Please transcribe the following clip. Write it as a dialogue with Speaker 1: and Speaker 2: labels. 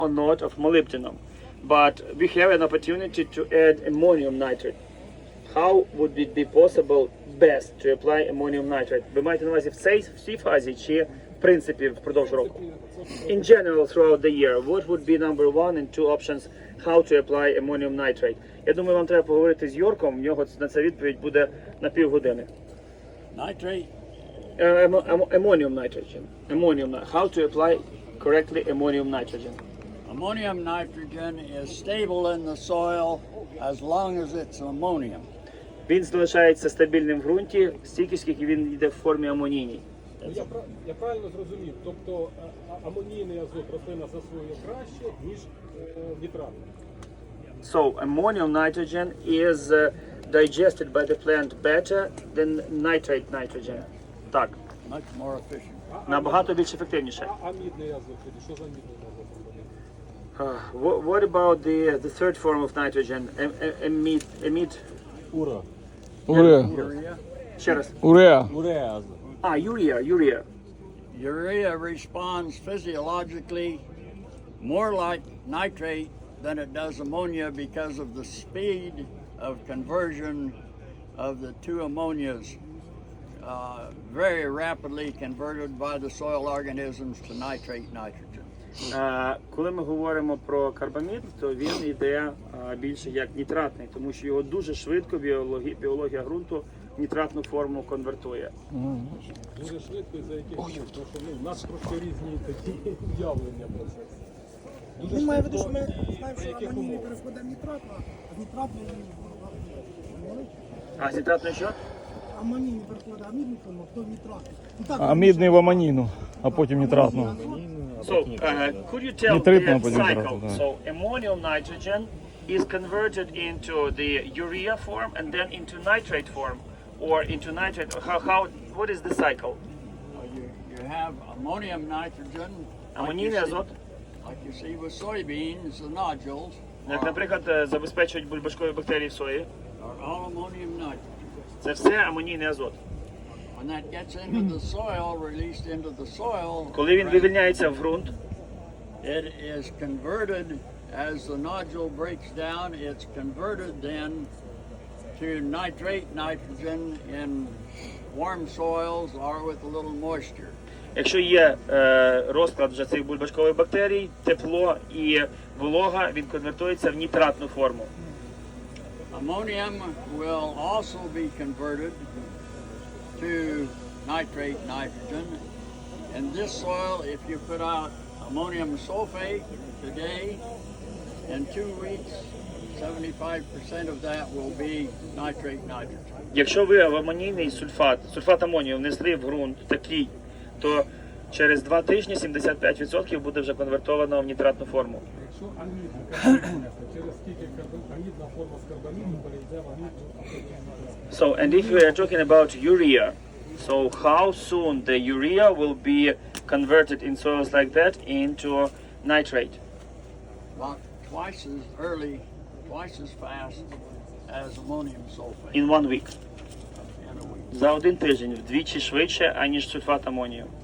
Speaker 1: or not of molybdenum, but we have an opportunity to add ammonium nitrate. How would it be possible best to apply ammonium nitrate? Ви маєте на увазі в цій фазі чи в принципі впродовж року? In general throughout the year, what would be number one and two options how to apply ammonium nitrate? Я думаю, вам треба поговорити з Йорком, в нього на це відповідь буде на півгодини.
Speaker 2: Nitrate.
Speaker 1: Ammonium nitrogen. How to apply correctly ammonium nitrogen?
Speaker 2: Ammonium nitrogen is stable in the soil as long as it's ammonium.
Speaker 1: Він залишається стабільним в ґрунті стільки, скільки він йде в формі амонійній.
Speaker 3: Я правильно зрозумів, тобто амонійний азот рослина засвоює краще, ніж нітратний.
Speaker 1: So ammonium nitrogen is digested by the plant better than nitrate nitrogen. Так,
Speaker 2: Much more efficient.
Speaker 1: набагато більш ефективніше.
Speaker 3: А мідний азот, що за мідний азот?
Speaker 1: What about the third form of nitrogen? Amide.
Speaker 3: Ура.
Speaker 4: Уреа.
Speaker 2: Urea.
Speaker 1: Ще раз.
Speaker 4: Уреа.
Speaker 3: Уреа азот.
Speaker 1: Urea.
Speaker 2: Urea responds physiologically more like nitrate than it does ammonia because of the speed of conversion of the two ammonias. Very rapidly converted by the soil organisms to nitrate nitrogen.
Speaker 1: Коли ми говоримо про карбамід, то він йде більше як нітратний, тому що його дуже швидко біологія ґрунту в нітратну форму конвертує.
Speaker 3: Дуже швидко і за яких умов, тому що в нас трошки різні такі уявлення про це. Дуже
Speaker 5: Він має в виду,
Speaker 3: швидко
Speaker 5: що ми
Speaker 3: і
Speaker 5: знаємо,
Speaker 3: за
Speaker 5: що
Speaker 3: яких
Speaker 5: амонійний
Speaker 3: умов.
Speaker 5: переходить в нітрат, а нітратний
Speaker 1: А з нітратною що?
Speaker 5: амонійний переходить амідний форму, то нітратний. Ну, так,
Speaker 4: А мідний в аманіну, а потім нітратну.
Speaker 1: So, could you tell
Speaker 4: Нитритного
Speaker 1: the
Speaker 4: потім
Speaker 1: cycle?
Speaker 4: нітрату, да.
Speaker 1: So, ammonium nitrogen is converted into the urea form and then into nitrate form, or into nitrate. What is the cycle?
Speaker 2: You have ammonium nitrogen,
Speaker 1: Амонійний азот,
Speaker 2: like you see with soybeans, the nodules
Speaker 1: як, наприклад, забезпечують бульбашкові бактерії в сої.
Speaker 2: are all ammonium nitrogen.
Speaker 1: Це все амонійний азот.
Speaker 2: When that gets into the soil, released into the soil,
Speaker 1: Коли він вивільняється в ґрунт,
Speaker 2: it is converted as the nodule breaks down. It's converted then to nitrate nitrogen in warm soils or with a little moisture.
Speaker 1: якщо є розклад вже цих бульбашкових бактерій, тепло і волога, він конвертується в нітратну форму.
Speaker 2: Ammonium will also be converted to nitrate nitrogen. In this soil, if you put out ammonium sulfate today, in 2 weeks, 75% of that will be nitrate nitrogen.
Speaker 1: Якщо ви в амонійний сульфат амонію внесли в ґрунт такий, то через 2 тижні 75% буде вже конвертовано в нітратну форму.
Speaker 3: Якщо амідний через скільки амідна форма з карбаміду перейде в амідну.
Speaker 1: So, and if we are talking about urea, so how soon the urea will be converted in soils like that into nitrate?
Speaker 2: About twice as early, twice as fast as ammonium sulfate
Speaker 1: In 1 week.
Speaker 2: in a week.
Speaker 1: За один тиждень, вдвічі швидше, аніж сульфат амонію.